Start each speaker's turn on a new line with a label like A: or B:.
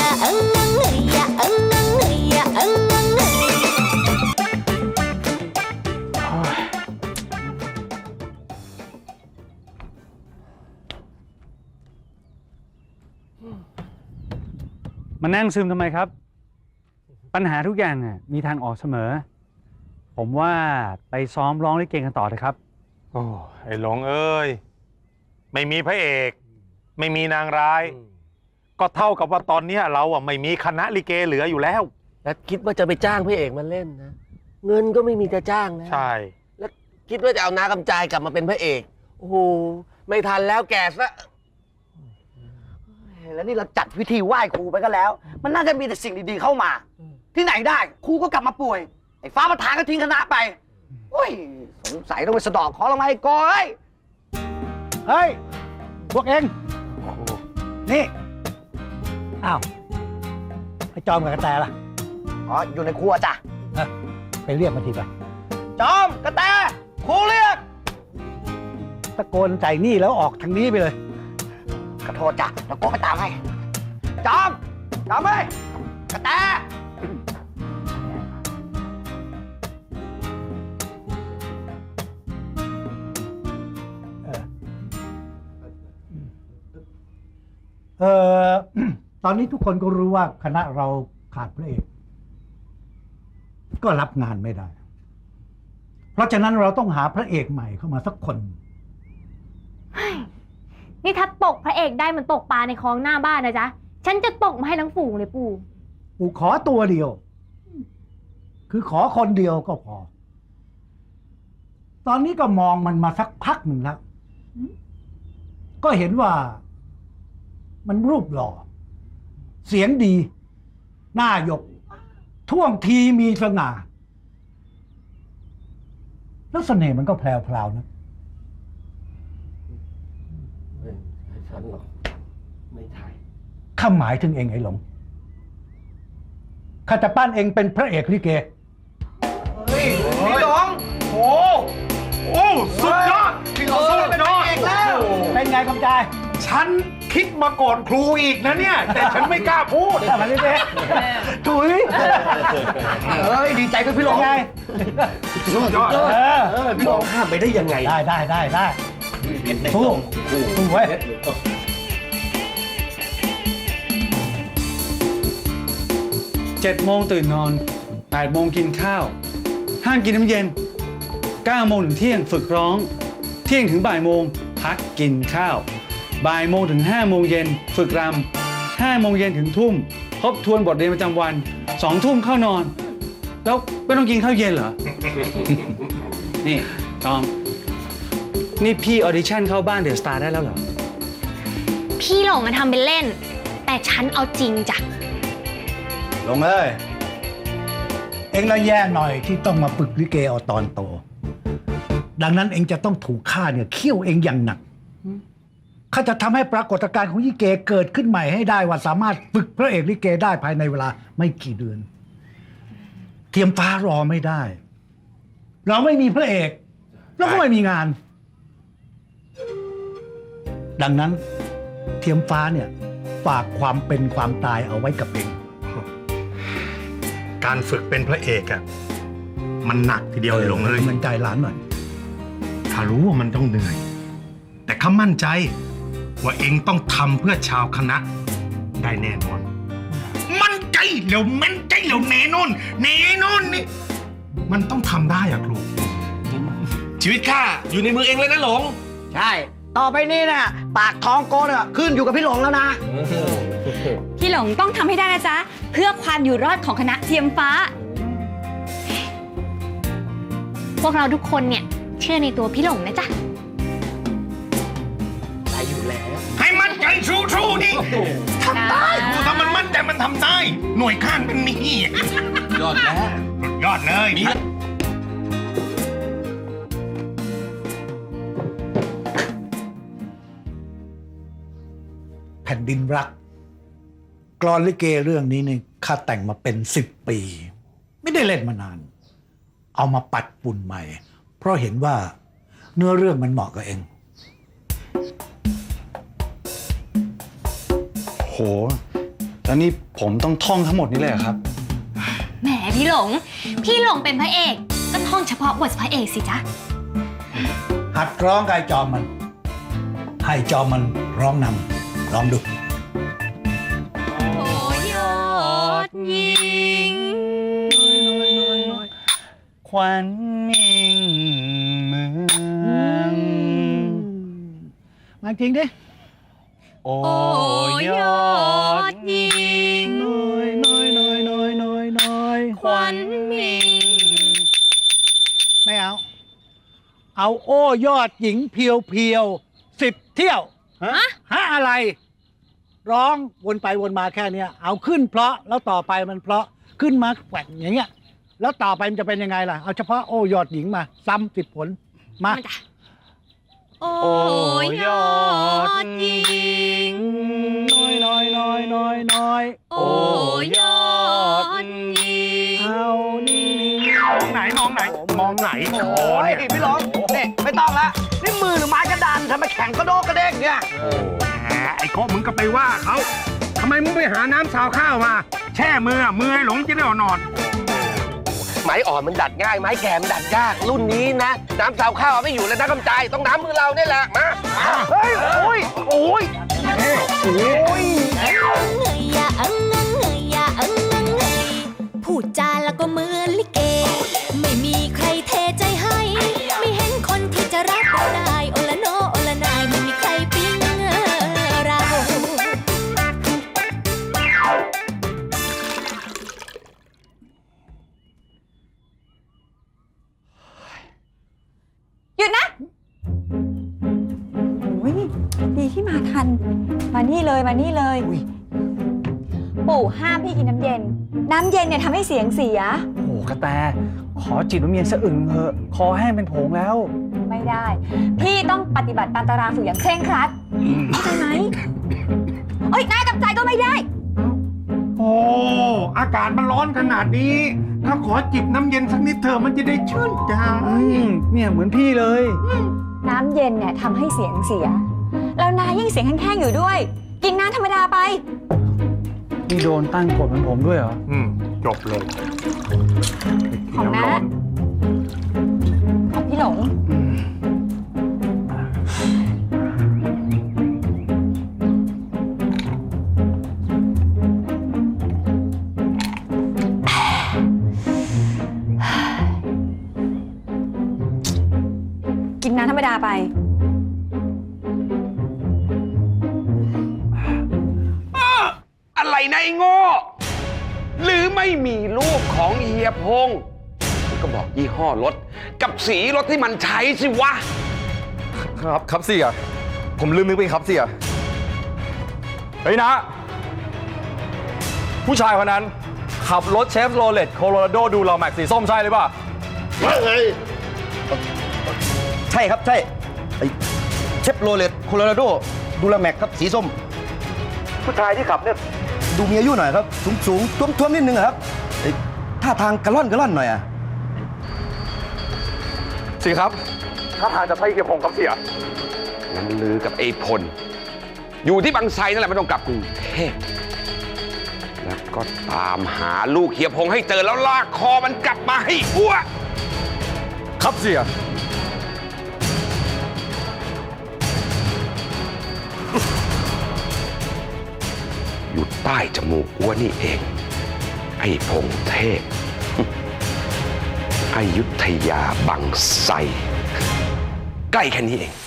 A: มานั่งซึมทำไมครับปัญหาทุกอย่างมีทางออกเสมอผมว่าไปซ้อมร้องลิเกกันต่อเลยครับ
B: โอ้ไอ้หลงเอ้ยไม่มีพระเอกไม่มีนางร้ายก็เท่ากับว่าตอนนี้เราไม่มีคณะลิเกเหลืออยู่แล้ว
C: แล้วคิดว่าจะไปจ้างพระเอกมาเล่นนะเงินก็ไม่มีจะจ้างนะ
B: ใช่
C: แล้วคิดว่าจะเอาน้ากำจายกลับมาเป็นพระเอกโอ้โหไม่ทันแล้วแก่ซะ
D: แล้วนี่เราจัดพิธีไหว้ครูไปก็แล้วมันน่าจะมีแต่สิ่งดีๆเข้ามาที่ไหนได้ครูก็กลับมาป่วยไอ้ฟ้าประธานก็ทิ้งคณะไปโอ้ยสงสัยต้องไปสะดอกขอละไมก้อย
A: เฮ้ยพวกเองนี่อ้าวไอ้จอมกับกระแตล่ะ
D: อ๋ออยู่ในครัวจ้ะ
A: ไปเรียกมาทีไป
D: จอมกระแตครูเรียก
A: ตะโกนใจนี่แล้วออกทางนี้ไปเลย
D: ขอโทษจ้ะแล้วก็ไปตามให้จอมเอ้ยกระแต
E: ตอนนี้ทุกคนก็รู้ว่าคณะเราขาดพระเอกก็รับงานไม่ได้เพราะฉะนั้นเราต้องหาพระเอกใหม่เข้ามาสักคน
F: นี่ถ้าตกพระเอกได้มันตกปลาในคลองหน้าบ้านนะจ๊ะฉันจะตกมาให้ทั้งฝูงเลยปู่
E: ขอตัวเดียวคือขอคนเดียวก็พอตอนนี้ก็มองมันมาสักพักหนึ่งแล้วก็เห็นว่ามันรูปหล่อเสียงดีหน้าหยกท่วงทีมีสง่าแล้วเสน่ห์มันก็แพรวๆนะ
C: ฉันหรอกไม่ใช่
E: ข้าหมายถึงเองไอ้หลงข้าจะปั้นเองเป็นพระเอกลิเก
D: เฮ้ยพี่หลง
B: โอ้สุดยอด
D: พี่หลงเป็นพระเอกแล้ว
E: เป็นไงกำจาย
B: ฉันคิดมาก่อนครูอีกนะเนี่ยแต่ฉันไม่กล้าพูด
E: แต่มันไม่ได้ถุย
D: ดีใจกับพี่หลง
E: ไง
B: สุดยอด
C: พี่หลงข้ามไปได้ยังไง
E: ได้สู้ไว้
A: 7 โมงตื่นนอน 8 โมงกินข้าวห้ามกินน้ำเย็น 9 โมงถึงเที่ยงฝึกร้อง เที่ยงถึงบ่ายโมงพักกินข้าวบ่ายโมงถึง5 โมงเย็นฝึกรำ5 โมงเย็นถึงทุ่มทบทวนบทเรียนประจำวัน2 ทุ่มเข้านอนแล้วไม่ต้องกินข้าวเย็นเหรอ นี่จอมนี่พี่ออดิชั่นเข้าบ้านเดอะสตาร์ได้แล้วเหรอ
F: พี่หลงทำเป็นเล่นแต่ฉันเอาจริงจ้ะ
E: หลงเอ้ยเอ็งละแย่หน่อยที่ต้องมาฝึกลิเกเอาตอนโตดังนั้นเอ็งจะต้องถูกข้าเนี่ยเคี่ยวเอ็งอย่างหนักข้าจะทำให้ปรากฏการณ์ของลิเกเกิดขึ้นใหม่ให้ได้ว่าสามารถฝึกพระเอกลิเกได้ภายในเวลาไม่กี่เดือนเทียมฟ้ารอไม่ได้เราไม่มีพระเอกแล้วก็ไม่มีงานดังนั้นเทียมฟ้าเนี่ยฝากความเป็นความตายเอาไว้กับเอง
B: การฝึกเป็นพระเอกมันหนักทีเดียวเลยหลงเลย
E: มันใจหลานหน่อย
B: ข้ารู้ว่ามันต้องเหนื่อยแต่ข้ามั่นใจว่าเองต้องทำเพื่อชาวคณะได้แน่นอนมั่นใจแล้วมั่นใจแล้วแน่นอนนี่มันต้องทำได้ครู
C: ชีวิตข้าอยู่ในมือเองเลยนะหลง
D: ใช่ต่อไปนี้นะปากท้องโกเนี่ยขึ้นอยู่กับพี่หลงแล้วนะ
F: พี่หลงต้องทำให้ได้นะจ๊ะเพื่อความอยู่รอดของคณะเทียมฟ้าพวกเราทุกคนเนี่ยเชื่อในตัวพี่หลงนะจ๊ะ
D: ได้อยู่แล้ว
B: ให้มั่นใจสู้ๆนี่ทำได้ครูถ้ามันมั่นใจมันทำได้หน่วยข้านเป็นมี
C: ยอดแล้ว
B: ยอดเลย
E: แผ่นดินรักกลอนลิเกเรื่องนี้นี่ข้าแต่งมาเป็น10 ปีไม่ได้เล่นมานานเอามาปัดปุ่นใหม่เพราะเห็นว่าเนื้อเรื่องมันเหมาะกับเอง
A: โหแล้วนี่ผมต้องท่องทั้งหมดนี้เลยเหรอครับ
F: แหมพี่หลงเป็นพระเอกก็ท่องเฉพาะบทพระเอกสิจ๊ะ
E: หัดร้องกับไอ้จอมมัน ให้จอมมันร้องนำลองดู
F: โอ้ยอดยิง
A: ขวัญมิ่งเมือง
E: มาจริงดิ
A: โอ้
F: ยอดยิง
E: น้อย
F: ขวัญมิ่ง
E: ไม่เอา เอาโอ้ยอดหญิงเพียว10 เที่ยว ฮะอะไร ร้องวนไปวนมาแค่เนี้ย เอาขึ้นเพราะแล้วต่อไปมันเพราะขึ้นมาแกว่งอย่างเงี้ย แล้วต่อไปมันจะเป็นยังไงล่ะ เอาเฉพาะโอ้ยอดหญิงมาซ้ำ10 ผลมา
F: โอ้ยอดยิง
E: น้อย
F: โอ้ยอดยิง
E: เอานิ่ง
B: ไหนมองไหน มองไหนคอ
D: โอ้ย
B: เนี่ย
D: พี่หลงนี่ไม่ต้องละนี่มือหรือไม้กระดานทำไมแข็งกระโดกกระเด้งเนี่ย
B: แหมไอ้โคมึงก็ไปว่าเขาทำไมมึงไปหาน้ำสาวข้าวมา แช่มือไอ้หลงจะได้นอน
C: ไม้อ่อนมันดัดง่าย ไม้แข็งมันดัดยาก รุ่นนี้นะ น้ำสาวข้าวเอาไม่อยู่แล้วนะกำจายต้องน้ำมือเราเนี่ยแหละ มา
D: เฮ้ย โอ้ย
F: เงยอย่าอังงังเงยอย่าอังงังเงยพูดจาแล้วก็เหมือนลิเก ไม่มีใครเทใจให้ ไม่เห็นคนที่จะรักเราได้โอละโนโอละนายไม่มีใครปิ๊งเรา
G: หยุดนะโอ้ยดีที่มาทัน มานี่เลยมานี่เลย ปู่ห้ามพี่กินน้ำเย็น น้ำเย็นเนี่ยทำให้เสียงเสีย
A: โอ้โหกระแต ขอจิบน้ำเย็นสะอึงเถอะ คอแห้งเป็นผงแล้ว
G: ไม่ได้ พี่ต้องปฏิบัติตามตารางฝึกอย่างเคร่งครัดเข้าใจไหมเอ้ยนายกับใจก็ไม่ได้
B: โอ้ อากาศมันร้อนขนาดนี้ ถ้าขอจิบน้ำเย็นสักนิดเถอะมันจะได้ชื่นใจ
A: เนี่ยเหมือนพี่เลย
G: น้ำเย็นเนี่ยทำให้เสียงเสีย แล้วนายยิ่งเสียงแห้งๆอยู่ด้วย กินน้ำธรรมดาไป
A: นี่โดนตั้งกฎเหมือนผมด้วยเหรอ
B: จบเลย
G: ของน้า
B: ร้อน
G: ของพี่หลง กินน้ำธรรมดาไป
C: อะไรนะไอ้โง่ หรือไม่มีรูปของเฮียพงก็บอกยี่ห้อรถ กับสีรถที่มันใช้สิวะ
H: ครับเสียผมลืมนึกไปครับเสียเฮ้ยนะ ผู้ชายคนนั้นขับรถเชฟโรเลตโคโลราโดดูเราแม็กสีส้มใช่หรือเปล่า
I: ใช่ครับใช่ไอ้เชฟโรเลตโคโลราโดดูลาแม็กครับสีส้ม ผู้ชายที่ขับเนี่ยดูมีอายุหน่อยครับ สูงท้วมๆนิดนึงอะครับไอ้ท่าทางกระล่อนหน่อยอะ
H: สิครับถ้าทางจะใช่เกียร์พงครับเสีย
C: น้ำลือกับไอ้พล อยู่ที่บางไทรนั่นแหละไม่ต้องกลับกรุงเทพแล้วก็ตามหาลูกเฮียพงให้เจอแล้วลากคอมันกลับมาให้อ้ว
H: ครับเสีย
C: อยู่ใต้จมูกอ้วนี่เอง ไอ้พงเทพ อยุธยาบางไทรใกล้แค่นี้เอง